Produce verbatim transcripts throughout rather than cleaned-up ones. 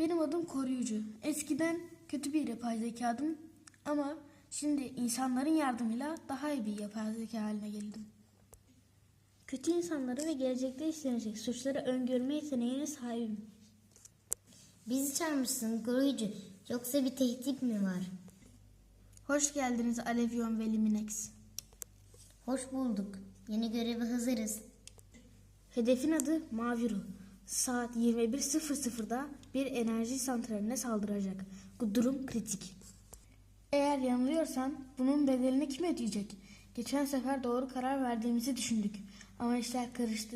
Benim adım Koruyucu. Eskiden kötü bir yapay zekadım ama şimdi insanların yardımıyla daha iyi bir yapay zeka haline geldim. Kötü insanları ve gelecekte işlenecek suçları öngörme yeteneğine sahibim. Bizi çağırmışsın koruyucu. Yoksa bir tehdit mi var? Hoş geldiniz Alevyon ve Liminex. Hoş bulduk. Yeni göreve hazırız. Hedefin adı Mavi Ruh. Saat yirmi bir sıfır sıfırda bir enerji santraline saldıracak. Bu durum kritik. Eğer yanılıyorsan bunun bedelini kim ödeyecek? Geçen sefer doğru karar verdiğimizi düşündük ama işler karıştı.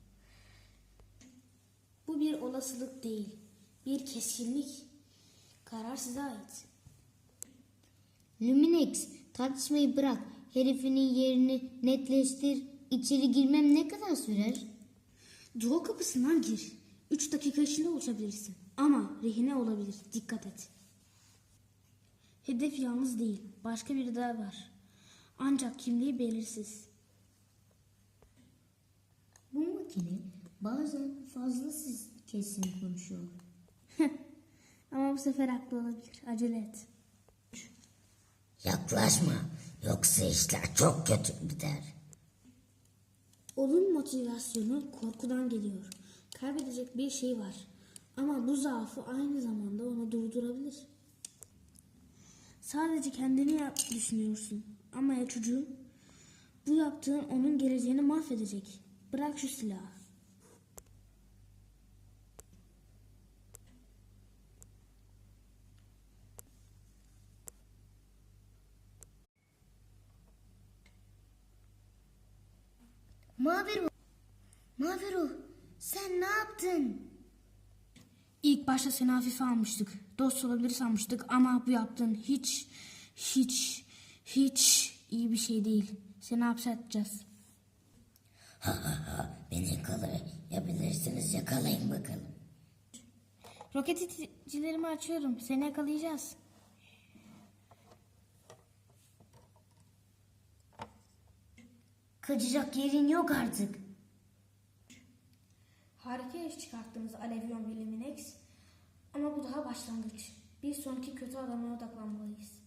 Bu bir olasılık değil, bir keskinlik. Karar size ait. Luminex, tartışmayı bırak. Herifinin yerini netleştir. İçeri girmem ne kadar sürer? Duo kapısından gir. Üç dakika içinde uçabilirsin. Ama rehine olabilir. Dikkat et. Hedef yalnız değil. Başka biri daha var. Ancak kimliği belirsiz. Bu makine bazen fazla siz kesin konuşuyor. Ama bu sefer haklı olabilir. Acele et. Yaklaşma, yoksa işler çok kötü gider. Onun motivasyonu korkudan geliyor. Kaybedecek bir şey var. Ama bu zaafı aynı zamanda onu durdurabilir. Sadece kendini yap düşünüyorsun. Ama ya çocuğum? Bu yaptığın onun geleceğini mahvedecek. Bırak şu silahı. Mavi ruh. Mavi ruh. Sen ne yaptın? İlk başta seni hafife almıştık. Dost olabilir sanmıştık ama bu yaptığın hiç, hiç, hiç iyi bir şey değil. Seni hapse atacağız. Ha ha ha, beni yakalayabilirsiniz, yakalayın bakalım. Roket iticilerimi açıyorum. Seni yakalayacağız. Kaçacak yerin yok artık. Harika iş çıkarttınız Alevyon ve Liminex. Ama bu daha başlangıç. Bir sonraki kötü adama odaklanmalıyız.